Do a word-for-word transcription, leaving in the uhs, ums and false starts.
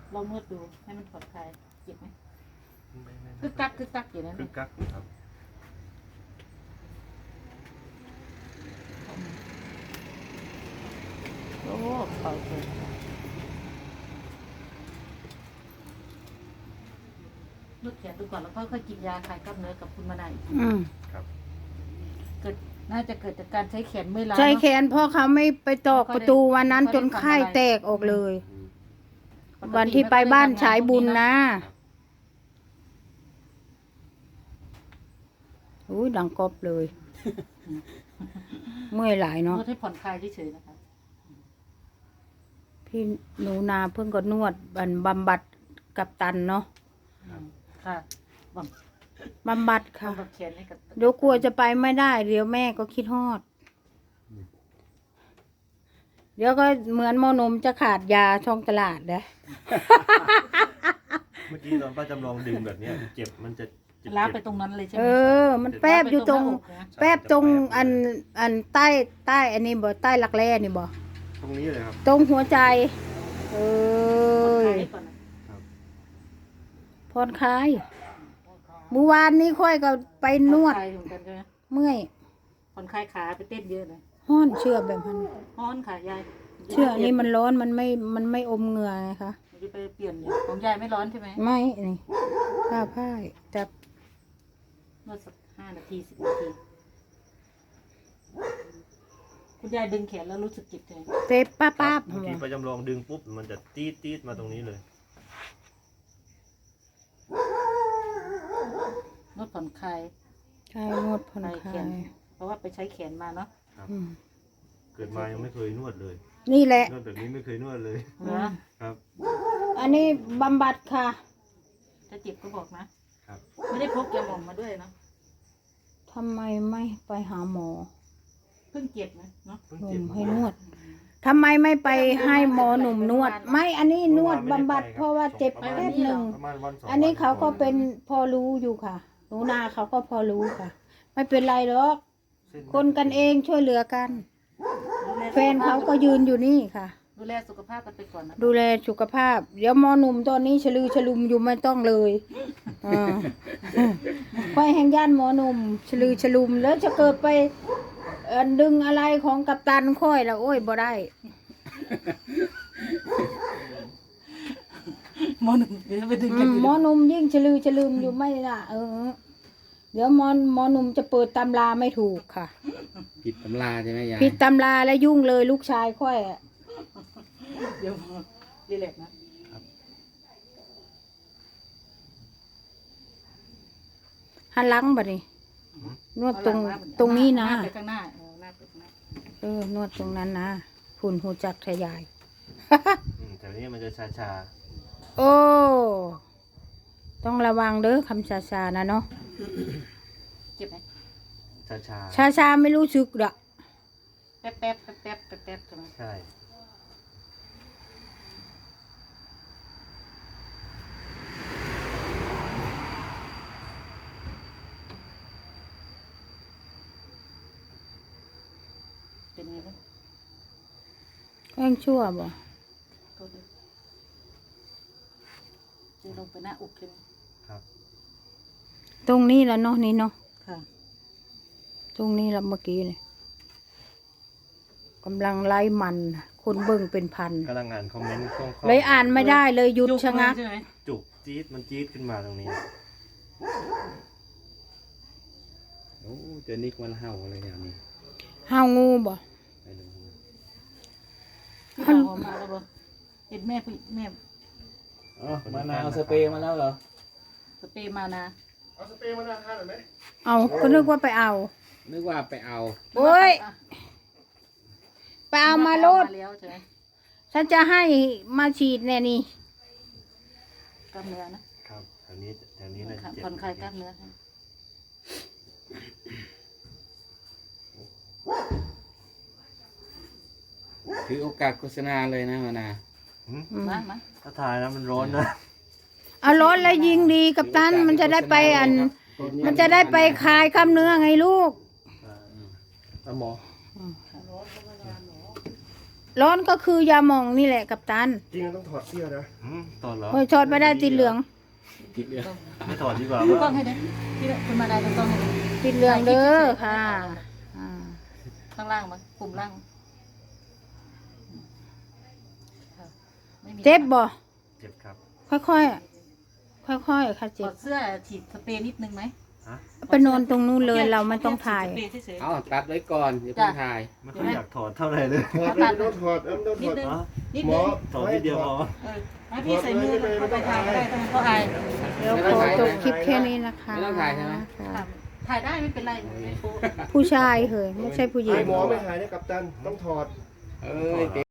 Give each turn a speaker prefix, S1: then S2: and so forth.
S1: ลองนวดดูให้มันผ่อนคลายเจ็บไหมคึกกักคึกกักอยู่นั่น
S2: คึกกักครับ
S1: โอ้เป่าเลยนวดแขนดูก่อนแล้วก็ค่อยกินยาคลายกล้ามเนื้อกับคุณมานายอีกที
S3: อืม
S2: ครับ
S1: เกิดน่าจะเกิดจากการใช้แขนไม่ล้า
S3: ใช้
S1: เนอะ
S3: แขนพ่อเขาไม่ไปตอกประตูวันนั้นจนไข้แตกออกเลย
S2: อืม
S3: วันที่ไปบ้านฉายบุญนะอุ้ยดังกอบเลย เมื่อยหลาย
S1: น
S3: เนาะ
S1: วดให้ผ่อนคลายเฉยๆนะคะ
S3: พี่หนูนาเพิ่งก็นวดบันบำบัดกับตันเนาะ
S1: อืมค่ะบัง
S3: บำบัดค่ะ
S1: บังแขนให้กับ
S3: เดี๋ยวกลัวจะไปไม่ได้ เดี๋ยวแม่ก็คิดฮอด เดี๋ยวก็เหมือนหมอนมจะขาดยาช่องตลาดนะ
S2: เมื่อกี้ตอนป้าจำลองดึงแบบเนี้ยเจ็บมันจะเจ็บ
S1: ล้าไปตรงนั้นเลยใช่ไห
S3: เอ
S1: ม
S3: อ มันแป๊บอยู่ตรง
S1: ล้าไปหน้าอกนะ
S3: แป๊บตรงอันอันใต้ใต้อันนี้บ่ใต้หลักแร่นี่บ่
S2: ตรงนี้เลยครับ
S3: ตรงหัวใจ เอ
S1: ผ่อนคลา
S3: อย
S1: ให้ก่อนนะ
S3: ผ่อนคลายเมื่อวานนี้ค่อยก็ไปนวด
S1: ผ่อคลายเหมือนกันใช่ไหม
S3: เมื่อย
S1: ผ่อนคลายขาไปเต้นเยอะเลย
S3: ห้อนเชื่อแบบนั้น
S1: ฮ้อนขายาย
S3: เชื่ออันนี้มันร้อนมันไม่มันไม่อมเหงื่อไงคะ
S1: จะไปเปลี่ยนอยู่ของยายไม่ร้อนใช่ไหม
S3: ไม่นี่ผ้าผ้าจับ
S1: นวดสักห้านาทีสิบนาทีคุณยายดึงแขนแล้วรู้สึกเจ็บใจ
S3: เจ็บป้าป้าบ
S2: เมื่อกี้ป้าจำลองดึงปุ๊บมันจะตีดตีดมาตรงนี้เลย
S1: นวดผ่อนคลาย
S3: ใช่นวดผ่อน
S1: คลาย
S3: ค
S1: แข
S3: ลาน ย
S1: เพราะว่าไปใช้แขนมาเนาะ
S3: อืม
S2: เกิดมายังไม่เคยนวดเลย
S3: นี่แหละ
S2: นวดแบบนี้ไม่เคยนวดเลย
S1: เหรอ
S2: ครับ
S3: อันนี้บำบัดค่ะ
S1: ถ้าเจ็บก็บอกนะครับ ไม่ได้พกยาหม่องมาด้วยเนาะ
S3: ทำไมไม่ไปหาหมอ
S1: เพิ่งเจ็บนะเนาะ
S2: เพิ่ง
S3: ห
S2: เจ็บ
S3: นุ่ม
S2: มา
S3: ให้นวดทำไมไม่ไปให้หมอหนุ่มนวด ไม่อันนี้นวดบำบัดเพราะว่าเจ็บแป๊บหนึ่ง
S2: ประมาณวันสอง
S3: อันนี้เขาก็
S2: วั
S3: เป็นพอรู้อยู่ค่ะหนูนาเขาก็พอรู้ค่ะ ไม่เป็นไรหรอก
S2: เส้น
S3: คนกันเองช่วยเหลือกัน
S1: ดูล
S3: แฟนเขาก็ยืนอยู่นี่ค่ะ
S1: ดูแลสุขภาพกันไปก่อนนะ
S3: ดูแลสุขภาพ เดี๋ยวหมอหนุ่มตอนนี้ฉลือฉลุมอยู่ไม่ต้องเลยอ่าค่อยแห่งย่านหมอหนุ่มฉลือฉลุมแล้วจะเกิดไปเอ่อดึงอะไรของกัปตันค่อยแล้วโอ้ยบ่ได้
S1: หมอหนึ่งเดี๋ยวไปดึง
S3: อื
S1: กัน
S3: มหมอหนุ่มยิ่งฉลือฉลุมอยู่ไม่ละเออ เดี๋ยวหมอหมอหนุ่มจะเปิดตำราไม่ถูกค่ะ
S4: ผิดตำราใช่ไหมยาย
S3: ผิดตำราแล้วยุ่งเลยลูกชายค่อยอะ
S1: เดี๋ยวรีแลกซ์นะ
S3: หันหลังบ่นี่นวดตรง
S1: เอาหลัมา
S3: ตรงนี้นะ
S1: หาไปข้างหน้าเออหน้าไปข้างหน้า
S3: เออนวดตรงนั้นนะหุ่นหูจักทะยาย
S2: อืมแต่นี้มันจะชาชา
S3: โอ้ ต้องระวังเด้อคำชาชาๆนะเนาะ
S1: เจ็บไหม
S2: ชาชา
S3: ชาชาๆไม่รู้สึกดอก
S1: แป๊บแป๊บแป๊บแป๊บแป๊บแป๊บใช่ไหม
S2: ใช่
S1: เป็นไงบ้าง
S3: ก็ยังชั่วบ่
S1: โทษด้วยจะลงไปหน้าอกใช่ไหม
S2: ครับ
S3: ตรงนี้ละเนาะนี่เนาะ
S1: ค่ะ
S3: ตรงนี้ละเมื่อกี้เลยกำลังไล่มันน่ะคนเบิ่งเป็นพัน
S2: กำลังอ่านคอมเมนต์คล่องๆ
S3: เลยอ่านไม่ได้เลยหยุด
S1: จุก
S3: ชะงัก
S1: เลยใช่ไหม
S2: จุกจี๊ดมันจี๊ดขึ้นมาตรงนี้
S4: โอ้เจอนิกมันเห่าอะไรอย่างนี้
S3: ห้าวงูบ่
S4: ไปดู
S1: พี่บ่าวออกมาแล้วบ่เห็นแม่ผู้แม่
S4: อ๋อมะนาวสเปรย์มาแล้วเหรอ
S1: สเปรย์มานะ
S3: เอาก็นึกว่าไปเอา
S4: นึกว่าไปเอา
S3: โอ้ย ไปเอามาโลด
S1: มาแล้วใช่ไหม
S3: ฉันจะให้มาฉีดแน่นี่
S1: กล้ามเนื้อนะครับ
S2: แถวนี้แถวนี้น่าจะเจ็บ
S1: ผ่อนคลายกล้ามเนื้อให้
S4: ถือโอกาสโฆษณาเลยนะมะนาว
S2: หืม
S1: มามา
S2: ถ้าถ่ายนะมันร้อนนะ
S3: เอารถแล้วยิงดีกับตันมันจะได้ไปอัน มันจะได้ไปคลายกล้ามเนื้อไงลูก
S2: อ่าหมอ
S3: ร้อนก็คือยาหมองนี่แหละกัปตัน
S5: จริงๆต้องถอดเสื้อนะ
S2: อืมตอนเหรอ
S3: โอ้ยชอดไม่ได้ติดเหลือง
S4: ติดเรื่อง
S2: ไม่ถอดดีกว่า
S1: ดูกล้
S2: ว่า
S1: องให้ดิที่คุณมาได้ดูกล้องให้ดิ
S3: ติดเหลืองเด้อค่ะอ่า
S1: ข้างล่างมั้งปุ่มล่างค่ะไม่มี
S3: เจ็บบ่
S2: เจ็บครับ
S3: ค่อยๆค่อยๆค่ะ
S1: ถ
S3: เจ็
S1: อบ ดเสื้อฉีดสเปรย์นิดนึงไหม
S2: ฮะ
S3: ไปนอนตรงนู้นเลยเราไม่ต้องถ่าย
S1: ฉีดสเปรย์เฉย
S4: เอาตัดไว้ก่อนอย่าเพิ่งถ่าย
S2: ไม่ค่อยอยากถอดเท่าไหร่เลย
S5: ถอดเลยไม่ต้องถอดเอ้ยไม่ต้อง
S1: ๆนิ
S5: ถ
S1: ด
S5: อด
S1: นึง
S2: อ๋อ
S1: นิด
S5: หม
S1: นึ
S5: อง
S2: ถอดนิดเดียวพอ
S1: เออให้พี่ใส่มือเข้าไปถ่ายก็ได้ถ้ามันเขาอาย
S3: เดี๋ยวขอจบคลิปแค่นี้นะคะ
S4: ไม่ต้องถ่ายใช่ไหม
S3: ค่ะ
S1: ถ่ายได้ไม่เป็นไรไม่โป๊ะ
S3: ผู้ชายเหยไม่ใช่ผู้หญิ
S5: ไอ้
S3: ง
S5: หมอไม่หายเนี่ยกัปตันต้องถอด
S4: เอ้ย